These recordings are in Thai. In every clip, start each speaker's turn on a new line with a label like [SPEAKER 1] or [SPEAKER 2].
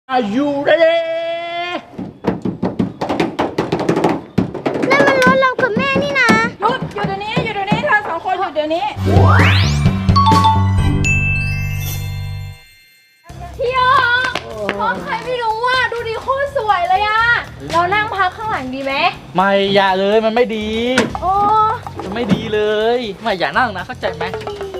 [SPEAKER 1] Are you ready
[SPEAKER 2] นั่นมันรถเรากับแม่นี่นะ
[SPEAKER 3] หยุดเดี๋ยวนี้เธอสองคนหยุดเดี๋ยวนี้
[SPEAKER 2] พี่ยองเพราะใครไม่รู้ว่าดูดีโคตรสวยเลยอะเรานั่งพักข้างหลังดีไหม
[SPEAKER 1] ไม่อย่าเลยมันไม่ดี
[SPEAKER 2] โอ้
[SPEAKER 1] มันไม่ดีเลยไม่อย่านั่งนะเข้าใจไหม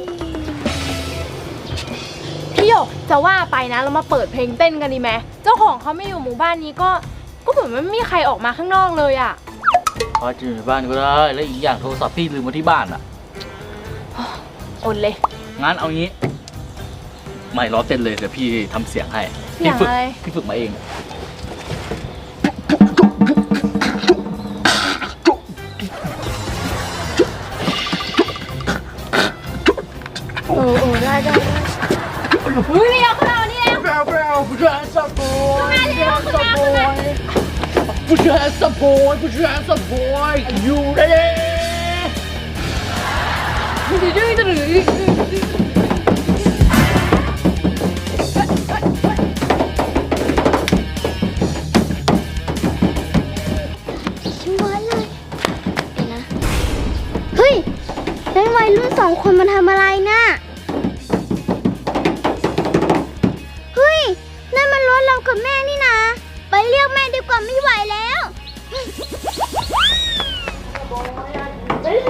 [SPEAKER 2] พี่หยกจะว่าไปนะเรามาเปิดเพลงเต้นกันดีไหมเจ้าของเขาไม่อยู่หมู่บ้านนี้ก็เหมือนไม่มีใครออกมาข้างนอกเลยอะ
[SPEAKER 1] พอจะอยู่ในบ้านก็ได้แล้วอีกอย่างโทรศัพท์พี่ลืมไว้ที่บ้านอ่ะ
[SPEAKER 2] อดเลย
[SPEAKER 1] งั้นเอางี้ไม่ล้อเต้นเลยเดี๋ยวพี่ทำเสียงให้พี่ฝึกมาเอง
[SPEAKER 2] ได้เฮ้ยพี่ยกขึ้นมานี่แล้ว
[SPEAKER 1] ผู้ชายสับปอยผู้ชายสับปอยอยู่ได้
[SPEAKER 2] เฮ้ยแล้ววัยรุ่นสองคนมาทำอะไรน่ะเฮ้ยนั่นมันรถเรากับแม่นี่นะไปเรียกแม่ดีกว่าไม่ไหวแล้วแม่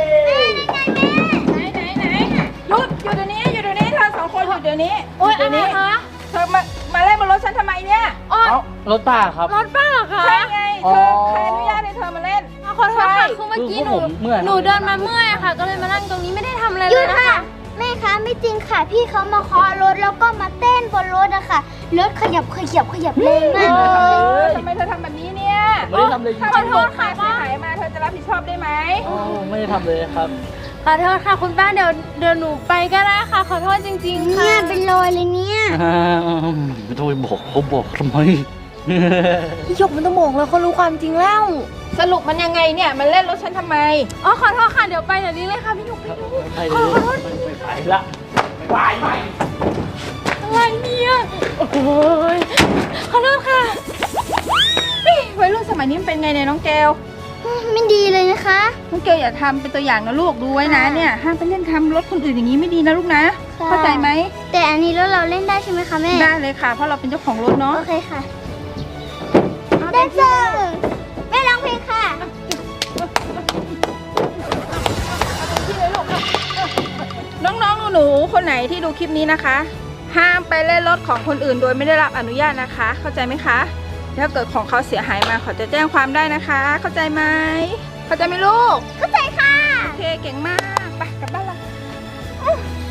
[SPEAKER 3] ไหนหยุดเดี๋ยวนี้เธอสองคนหยุดเดี๋ยวนี้
[SPEAKER 2] โอ๊ยอะไรคะ
[SPEAKER 3] เธอมาเล่นบนรถฉันทำไมเนี่ย
[SPEAKER 1] รถป้าครับ
[SPEAKER 2] รถป้าเหรอคะ
[SPEAKER 3] ใช่ไงเธอใครอนุญาตให้เธอมาเล่น
[SPEAKER 2] ขอโทษค่ะคือเมื่อกี้หนูเดินมาเมื่อยค่ะก็เลยมานั่งตรงนี้ไม่ได้ทำอะไรเลยนะคะแม่คะไม่จริงค่ะพี่เขามาเคาะรถแล้วก็มาเต้นบนรถอะค่ะรถขยับแรงมาก
[SPEAKER 3] ทำไมเธอทำแบบนี้เนี่ย
[SPEAKER 1] ไม่ได้ทำเลย
[SPEAKER 3] ขอโทษค่ะเสียหายมาเธอจะรับผิดชอบได้ไหม
[SPEAKER 1] ไม่ได้ทำเลยครับ
[SPEAKER 2] ขอโทษค่ะคุณป้าเดี๋ยวหนูไปก็ได้ค่ะขอโทษจริงๆค่ะเนี่ยเป็นรอยเลยเนี่ย
[SPEAKER 1] ไม่ต้องไปบอกเขาบอกทำไม
[SPEAKER 2] พี่หยกมันต้องบอกเลยเขารู้ความจริงแล้ว
[SPEAKER 3] สรุปมันยังไงเนี่ยมันเล่นรถฉันทำไม
[SPEAKER 2] ขอโทษค่ะเดี๋ยวไปเดี๋ยวนี้เลยค่ะพี่หยกขอโทษ
[SPEAKER 1] ไม่ไปละไป
[SPEAKER 2] อะไรเนี่ยโอ้ยขอโทษค่ะ
[SPEAKER 3] วัยรุ่นสมัยนี้มันเป็นไงเนี่ยน้องเกล
[SPEAKER 2] ไม่ดีเลยนะคะ
[SPEAKER 3] น้องเกลอย่าทำเป็นตัวอย่างนะลูกดูไว้นะเนี่ยห้ามไปเล่นทำรถคนอื่นอย่างนี้ไม่ดีนะลูกนะเข้าใจไหม
[SPEAKER 2] แต่อันนี้รถเราเล่นได้ใช่ไหมคะแม่
[SPEAKER 3] ได้เลยค่ะเพราะเราเป็นเจ้าของรถเนาะ
[SPEAKER 2] โอเคค่ะแดนเซอร์แม่ร้องเพลงค่ะ
[SPEAKER 3] น้องๆหนูๆคนไหนที่ดูคลิปนี้นะคะห้ามไปเล่นรถของคนอื่นโดยไม่ได้รับอนุญาตนะคะเข้าใจไหมคะถ้าเกิดของเขาเสียหายมาเขาจะแจ้งความได้นะคะเข้าใจไหมเข้าใจไหมลูก
[SPEAKER 2] เข้าใจค่ะ
[SPEAKER 3] โอเคเก่งมากไปกลับบ้านเรา